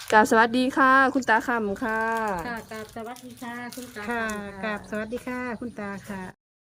กราบสวัสดีค่ะคุณตาคำค่ะค่ะกราบสวัสดีค่ะคุณตาค่ะค่ะกับสวัสดีค่ะ คุณตาค่ะ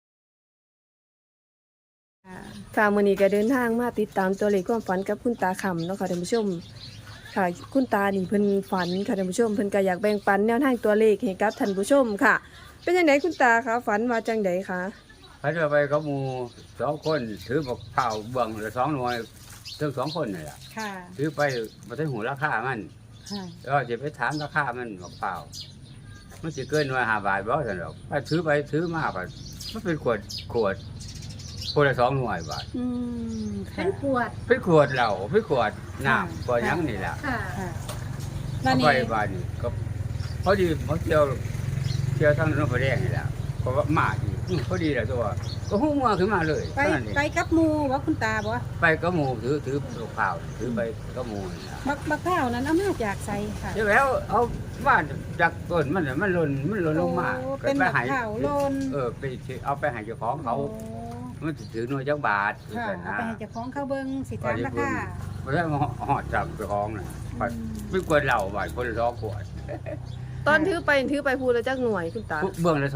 ค่ะมื้อนี้ก็เดินทางมาติดตามตัวเลขความฝันกับคุณตาคำเนาะค่ะท่านผู้ชมค่ะคุณตานี่เพิ่นฝันค่ะท่านผู้ชมเพิ่นก็อยากแบ่งปันแนวทางตัวเลขให้กับท่านผู้ชมค่ะ เป็นจังไดคุณตาคะฝันว่าจังไดคะเขาจะไปกับหมู่สองคนถือบอกเผาเบื้องละ2 หน่วยทั้ง2 คนนี่แหละค่ะถือไปมาถึงหูราคามันค่ะแล้วจะไปถามราคามันบอกเผามันจะเกินว่า5 บาทบ่ซั่นหรอกไปถือมาก็มันเป็นขวดคนละ2 หน่วยบาทอืมเป็ค่ะนขวดเป็นขวดเหล้าเป็นขวดน้ำขวดหยังนี่แหละค่ะค่ะเอาไปบาทนี่ก็พอดีมาเที่ยวทางนนพแดงนี่แหละเพราะว่ามาอีกพอดีแหละตัวก็หูมัวขึ้นมาเลยไปเท่านั้นเองไปกับหมูว่าคุณตาบ่ไปกับหมู่ถือลูกเผาถือไปกับหมู่นี่ล่ะบักข้าวนั้นเอามาจากไสค่ะเดี๋ยวแล้วเอาบ้านจากต้นมันน่ะมันหล่นลงมาโอ้ก็เป็นไปบักให้ข้าวโลนไปเอาไปให้เจ้าของเขาโอ้มันสิถือหน่วยจักบาทค่ะกันเอานะไปให้เจ้าของเขาเบิ่งสิถามราคาบ่ได้มาหอดจับเจ้าของน่ะไม่ควรเหล้าบาทคนละ2 ขวดตอนถือไปพูดแล้วจักหน่วยคุณตาเบื้องละ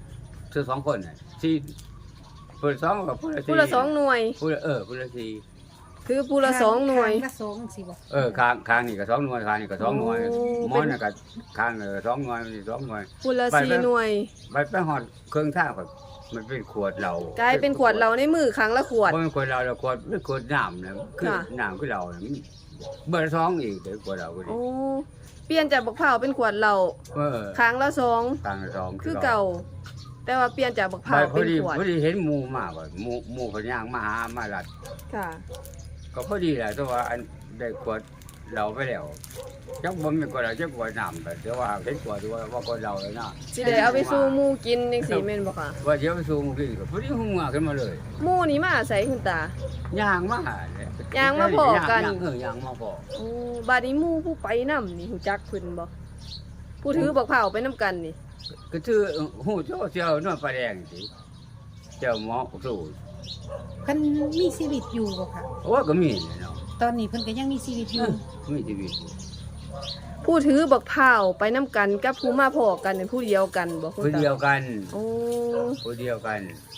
2ซื้อ2 คนน่ะ4เปิด2กับผู้ละ4 พูดละ2หน่วยผู้ละ4 คือพูดละ2หน่วยข้างละสองสิบ่ข้างนี่ก็2 หน่วยข้างนี่ก็2 หน่วยโอ้หมอนน่ะก็ข้างก็2 หน่วยนี่2 หน่วยพูดละไป 4หน่วยไปหอดเครื่องท่าก็มันเป็นขวดเหล้ากลายเป็นขวดเราในมือครั้งละขวดบ่เป็นขวดเหล้าแล้วขวดเป็นขวดน้ำนะคือค่ะน้ำคือเหล้าน่ะมันเบอร์สองอีกเดี๋ยวขวดเหล้าก็ดีโอ้เปลี่ยนจากบักเผาวเป็นขวดเรา ครั้งละ2 ข้างละสองคือเก่า แต่ว่าเปลี่ยนจากบักไปเผาวพอเป็นดีขวดพอดีเห็นหมู่มาบ่หมู่เขาย่างมาหามาลัดค่ะก็พอดีแหละแต่ว่าอันได้ขวดเหล้าไปแล้วจักบ่มีขวดเหล้าจักขวดน้ำแต่ว่าเห็นขวดว่าขวดเหล้าเลยนะสิได้เอาไปสู่หมู่กินจังซี่แม่นบ่ค่ะว่าเดี๋ยวไปสู่หมู่กินก็พอดีหัวขึ้นมาเลยหมู่นี่มาใส่คุณตาย่างมาเลยย่างมาพอกันย่างมาพอโอ้บาดนี้หมู่ผู้ไปนํนี่ฮู้จักเพิ่นบ่ผู้ถือบักเผาวไปนํกันนี่ก็คือหูเจ้าเจ้านวดปลาแดงสิเจ้าหมอสู้เพิ่นมีชีวิตอยู่บ่ค่ะโอ้ก็มีเนาะตอนนี้เพิ่นก็ยังมีชีวิตอยู่มีชีวิตผู้ถือบักเผาวไปนํกันกับผู้มาพอกันเป็นผู้เดียวกันบ่คุณคนตาเดียวกันโอ้คนเดียวกัน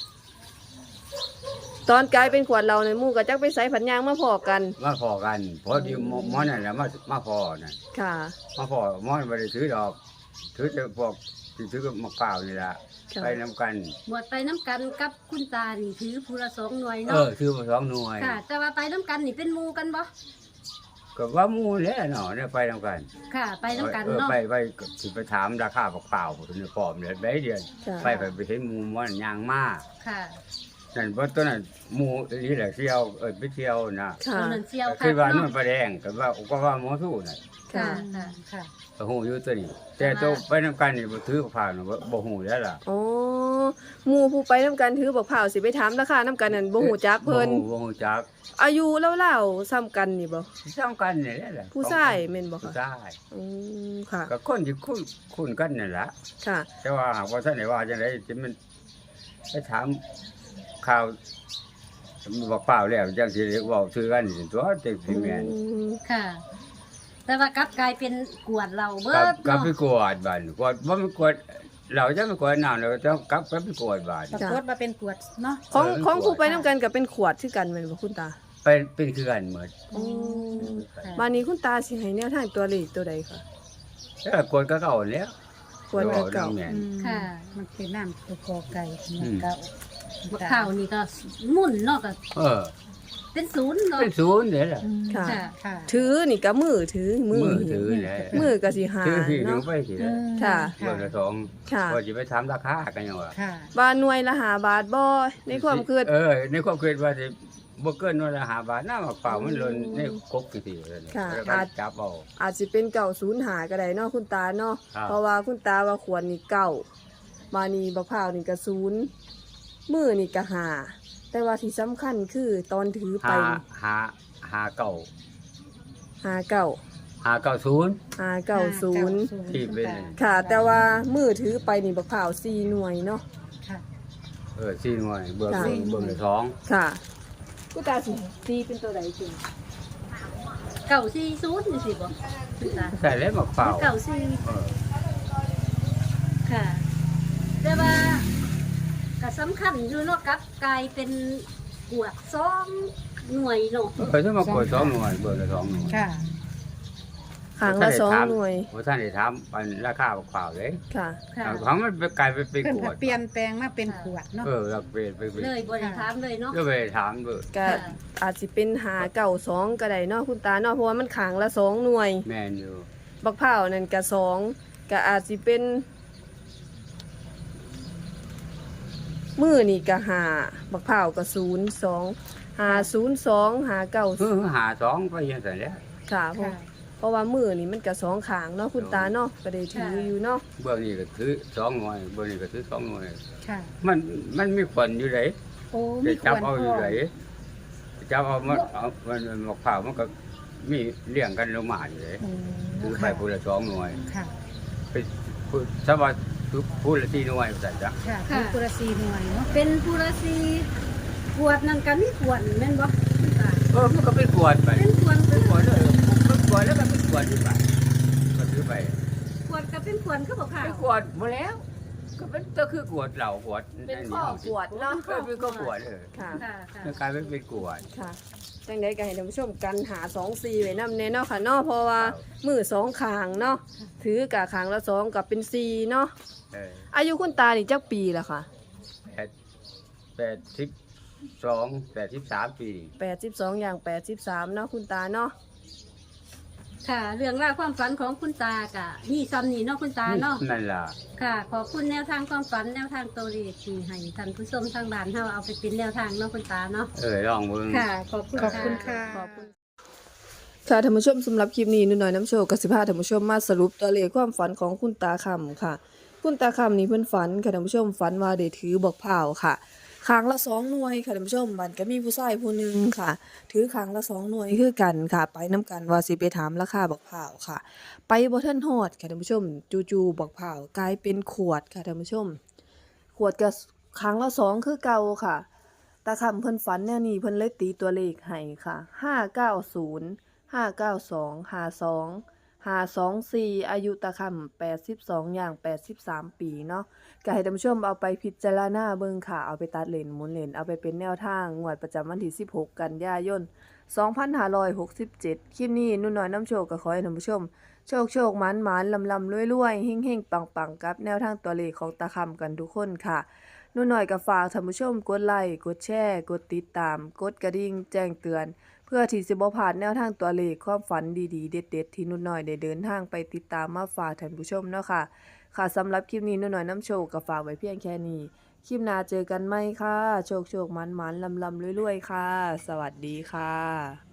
ตอนกลายเป็นขวดเราในหมู่ก็จักไปใส่ผันยางมาพอกันมาพอกันพอดีหมอนั่นแหละมาพอนั่นค่ะมาพอหมอไม่ได้ถือดอกถือแต่พวกที่ถือกับมะพร้าวนี่แหละค่ะไปนำกันบวชไปน้ำกันกับคุณตานี่ถือผู้ละ2 หน่วยเอเนาะอถือมา2 หน่วยค่ะ แต่ว่าไปน้ำกันนี่เป็นหมู่กันบ่ก็ว่าหมู่แหล้วเนาะเนี่ยไปนำกันค่ะ ไปน้ำกันเออเนาะไปสิไปถามราคามะพร้าวถึงพร้อมเดือนใบเดือนค่ะไปเห็นหมู่มันยางมาค่ะนั่นเพราะตอนนั้นหมู่นี่แหละเที่ยวไปเที่ยวนะค่ะตอนนั้นเสียวก็ค่ะคือว่านู่เนาะนประแดงก็ว่าหมอสู้น่ะค่ะค่ะค่ะค่ะก็ฮู้อยู่ตัวนี้ แต่ตัวไปนำกันนี่บ่ถือผ่านบ่ฮู้แล้วล่ะโอ้หมู่ผู้ไปนํกันถือบักเผาวสิไปถามราคานํกันนั่นบ่ฮู้จักเพิ่นบ่ฮู้จักอายุเล่าๆซ้ำกันนี่บ่ซ้ำกันนี่แหละผู้ชายแม่นบ่ผู้คะชายอืมค่ะก็คนที่คุ้นกันนั่นล่ะค่ะแต่ว่าหากว่าท่านได้ว่าจังได๋สิมันไปถามข่าวบอกเปล่าแล้วจังสิเว้าถือกันนี่ตัวจังสิแม่นค่ะ แต่ว่ากลับกลายเป็นกวดเราเบิกลับดกลับเนาะไปกวดบ้านกวดบ่มันกวดเราจะไม่กวดน้ำแล้วจะกลับไปกวดบ้านปรากฏว่าเป็นกวดเนาะของผู้ไปนํกันก็เป็นขวดคือกันแม่นบ่คุณตาเป็นคือกันหมดอืมค่ะบัดนี้คุณตาสิให้แนวทางตัวเลขตัวใดคะแล้วกวดก็เก่าแล้วขวดเก่าแม่นค่ะมันเป็นน้ำตัวกอไก่เหมือนอืมเก่าบักข้าวนี่ก็หมุ่นเนาะก็เออเป็นศูนย์เนาะเป็นศูนย์เด้อล่ะอืมค่ะค่ะค่ะถือนี่ก็มือถือมือถือแหละมือก็สิหาถือที่ถึงเนาะไปสิอืแล้วมค่ะเบอร์ละสองค่ะว่าจะไปถามราคากันยังวะค่ะว่าหน่วยละ5บาทบ่ในความคิดในความคิดว่าสิบ่เกินวันละ5 บาทน้ำมะเปล่ามันหล่นในกกสิเลยค่ะแล้วก็จับเอาอาจสิเป็นเก่า05ก็ได้เนาะคุณตาเนาะครับเพราะว่าคุณตาว่าขวดนี่เก่ามานี่บักพร้าวนี่ก็0มือนี่ก็5แต่ว่าที่สำคัญคือตอนถือไปหาเก่า 59 590 590 ที่เป็นค่ะ แต่ว่ามือถือไปนี่บักพร้าว4หน่วยเนาะค่ะ 4 หน่วยเบอร์ค่ะเบอร์ละสองค่ะคุณตาสิตีเป็นตัวใดจริง 940นี่สิบ่คุณตาใส่แล้วมะพร้าว 94 เออค่ะ แต่ว่าก็สำคัญอยู่เนาะกลับกลายเป็นกวด2หน่วยเนาะถ้ามากด2หน่วยเบิดละ2หน่วยค่ะครั้งละ2หน่วยบ่ทันได้ถามอันราคามะพร้าวเลยค่ะค่ะของมันไปกลายไปเป็นเพิ่นขวก็ดเปลี่ยนแปลงมาเป็นขวดเนาะเราเปลี่ยนไปเป็นเลยบ่ได้ถามเลยเนาะก็ไปถามเบิดก็อาจสิเป็นหาเก่า2ก็ได้เนาะคุณตาเนาะเพราะว่ามันขางละ2หน่วยแม่นอยู่บักพร้าวนั่นก็2ก็อาจสิเป็นมือนี่ก็5บักพร้าวก็0 2 502 592 หา2ไปยังซั่นแหล้วค่ะเพราะว่ามือนี่มันก็2ขางเนาะคุณตาเนาะก็ได้ถืออยู่เนาะเบื้องนี้ก็ถือ2หน่วยเบื้องนี้ก็ถือ2หน่วยค่ะมันมีผลอยู่ไดโอ้จะมีขจับวดเอาพอยู่อไดจับเอามันมะพร้าวมันก็มีเลี้ยงกันลงมาอยู่ไดโอ้ถือไปผู้ละ2หน่วยค่ะไปผู้สวัสดิ์ผู้ละ4หน่วยซั่นจ้ะค่ะมีกุระซีหน่วยเนาะเป็นผู้ละสีขวดนั่นก็มีขวดแม่นบ่คุณตามันก็เป็นขวดไปเป็นขวดเป็นขวดเลยเป็นขวดแล้วก็เป็นขวดที่ไปก็ถือไปขวดก็เป็นขวดคือบ่ค่ะเป็นขวดหมดแล้ว ก็คือขวดเหล่าขวดเป็นข้อขวดเนาะเป็นข้อขวดค่ะค่ะค่ะกลายเป็นขวดค่ะจังได๋ก็ให้ท่านผู้ชมกันหา2 4ไว้นำแน่เนาะค่ะเนาะเพราะว่ามือ2ข้างเนาะถือกะข้างละ2ก็เป็น4เนาะเอออายุคุณตานี่จักปีละค่ะ 83 ปี 82อย่าง83เนาะคุณตาเนาะค่ะ เรื่องราวความฝันของคุณตากะนี่ซ้ำนี่เนาะคุณตาเนาะนั่นล่ะค่ะ ขอบคุณแนวทางความฝันแนวทางตัวเลขที่ให้ท่านผู้ชมทางบ้านเฮาเอาไปเป็นแนวทางเนาะคุณตาเนาะลองเบิ่งค่ะ ขอบคุณขอบคุณค่ะขอบคุณค่ะท่านผู้ชมสำหรับคลิปนี้หน่อยน้ำโชว์กสิพาท่านผู้ชมมาสรุปตัวเลขความฝันของคุณตาคำค่ะ คุณตาคำนี่เพิ่นฝันค่ะท่านผู้ชมฝันว่าได้ถือบอกเผาวค่ะครั้งละ2หน่วยค่ะท่านผู้ชมมันก็มีผู้ชายผู้หนึงค่ะ ถือครั้งละ2หน่วยคือกันค่ะ ไปนํกันว่าสิไปถามราคาบอกเผาวค่ะ ไปบ่ทันฮอดค่ะท่านผู้ชมจู่ๆบอกเผาวกลายเป็นขวดค่ะท่านผู้ชม ขวดก็ครั้งละ2คือเก่าค่ะ ตาคำเพิ่นฝันแนวนี้เพิ่นเลยตีตัวเลขให้ค่ะ590 592 52 524อายุตาคำ82อย่าง83 ปีเนาะก็ให้ท่านผู้ชมเอาไปพิจารณาเบิ่งค่ะเอาไปตัดเลนหมุนเลนเอาไปเป็นแนวทางงวดประจำวันที่16กันยายน2567คลิปนี้นุ่นน้อยน้ำโชคก็ขอให้ท่านผู้ชมโชคหมานลำรวยๆเฮงๆปังๆกับแนวทางตัวเลขของตาคำกันทุกคนค่ะนุ่นน้อยก็ฝากท่านผู้ชมกดไลค์กดแชร์กดติดตามกดกระดิ่งแจ้งเตือนเพื่อที่สิบ่พลาดแนวทางตัวเลขความฝันดีๆเด็ดๆที่นุ่นน้อยได้เดินทางไปติดตามมาฝากท่านผู้ชมเนาะค่ะค่ะสำหรับคลิปนี้นุ่นน้อยน้ำโชคก็ฝากไว้เพียงแค่นี้คลิปหน้าเจอกันไหมค่ะโชคหมานลำรวยๆค่ะสวัสดีค่ะ